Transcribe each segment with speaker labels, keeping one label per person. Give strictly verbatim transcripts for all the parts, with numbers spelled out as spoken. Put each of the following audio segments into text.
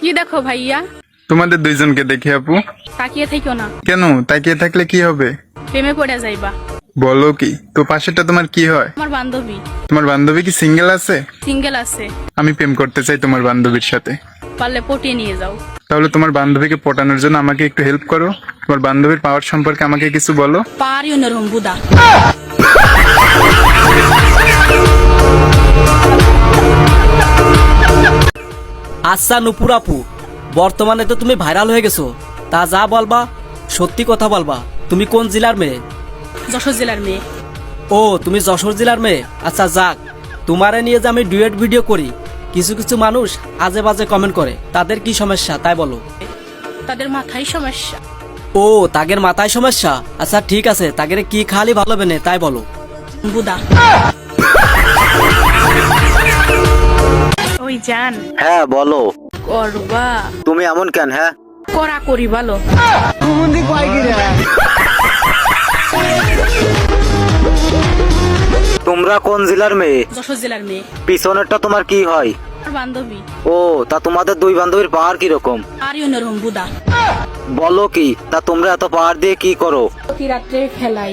Speaker 1: কি দেখো ভাইয়া?
Speaker 2: তোমাদের দুইজনকে দেখে আপু।
Speaker 1: তাকিয়ে থেকো না,
Speaker 2: কেন? তাকিয়ে থাকলে কি হবে?
Speaker 1: প্রেমে পড়ে যাইবা।
Speaker 2: বলো কি? তো পাশেরটা তোমার কি হয়?
Speaker 1: আমার বান্ধবী।
Speaker 2: তোমার বান্ধবী কি সিঙ্গেল আছে?
Speaker 1: সিঙ্গেল আছে।
Speaker 2: আমি প্রেম করতে চাই তোমার বান্ধবীর সাথে।
Speaker 1: পারলে পটিয়ে নিয়ে যাও।
Speaker 2: তাহলে তোমার বান্ধবীকে পটানোর জন্য আমাকে একটু হেল্প করো। তোমার বান্ধবীর পাওয়ার সম্পর্কে আমাকে কিছু বলো।
Speaker 1: পারি অন্যরকম বুদা।
Speaker 3: আচ্ছা নুপুর আপু, বর্তমানে তো তুমি ভাইরাল হয়ে গেছো, তা যা বলবা সত্যি কথা বলবা। তুমি কোন জেলার মেয়ে?
Speaker 1: যশোর জেলার মেয়ে।
Speaker 3: ও, তুমি যশোর জেলার মেয়ে। আচ্ছা যাক, তোমারে নিয়ে যে আমি ডুয়েট ভিডিও করি, কিছু কিছু মানুষ আজে বাজে কমেন্ট করে, তাদের কি সমস্যা তাই বলো।
Speaker 1: তাদের মাথায় সমস্যা।
Speaker 3: ও, তাদের মাথায় সমস্যা। আচ্ছা ঠিক আছে, তাদের কি খালি ভালো বেনে তাই বলো।
Speaker 1: বুদা। ওই জান।
Speaker 4: হ্যাঁ বলো।
Speaker 1: করবা?
Speaker 4: তুমি এমন কেন? হ্যাঁ
Speaker 1: করা করি ভালো।
Speaker 4: তোমরা কোন জেলার মেয়ে?
Speaker 1: যশোর জেলার মেয়ে।
Speaker 4: পিছনেরটা তোমার কি হয়?
Speaker 1: আমার বান্ধবী।
Speaker 4: ও, তা তোমাদের দুই বান্ধবীর পাহাড় কিরকম?
Speaker 1: পারি অন্যরকম বুদা।
Speaker 4: বলো কি? তা তোমরা এত পাহাড় দিয়ে কি করো?
Speaker 1: প্রতি রাত্রে খেলাই।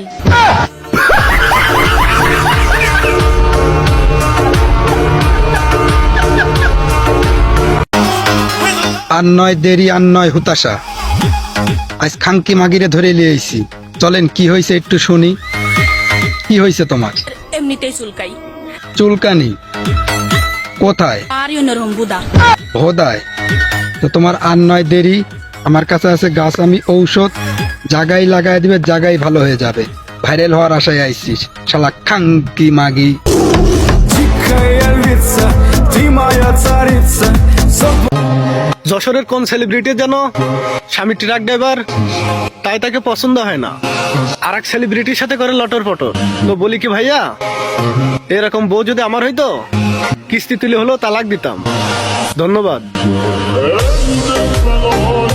Speaker 5: আর নয় দেরি আর নয় হুতাশা, আজ খাঙ্কি মাগিরে ধরে লিয়েছি। চলেন কি হয়েছে একটু শুনি। কি হয়েছে তোমার?
Speaker 1: এমনিতেই চুলকাই।
Speaker 5: চুলকানি কোথায়?
Speaker 1: পারি অন্যরকম বুদা।
Speaker 5: হোদায়। তো তোমার আর নয় দেরি, আমার কাছে আছে গাছ, আমি ঔষধ জাগাই লাগাই দিবে, জাগাই ভালো হয়ে যাবে। ভাইরাল হওয়ার আশায় আইছিস শালা খাঙ্কি মাগি।
Speaker 6: যশোরের কোন সেলিব্রিটি যেন স্বামী ট্রাক ড্রাইভার, তাই তাকে পছন্দ হয় না, আর এক সেলিব্রিটির সাথে করে লটর পটর। তো বলি কি ভাইয়া, এরকম বউ যদি আমার হইতো, কিস্তি তুলে হলেও তালাক দিতাম। ধন্যবাদ।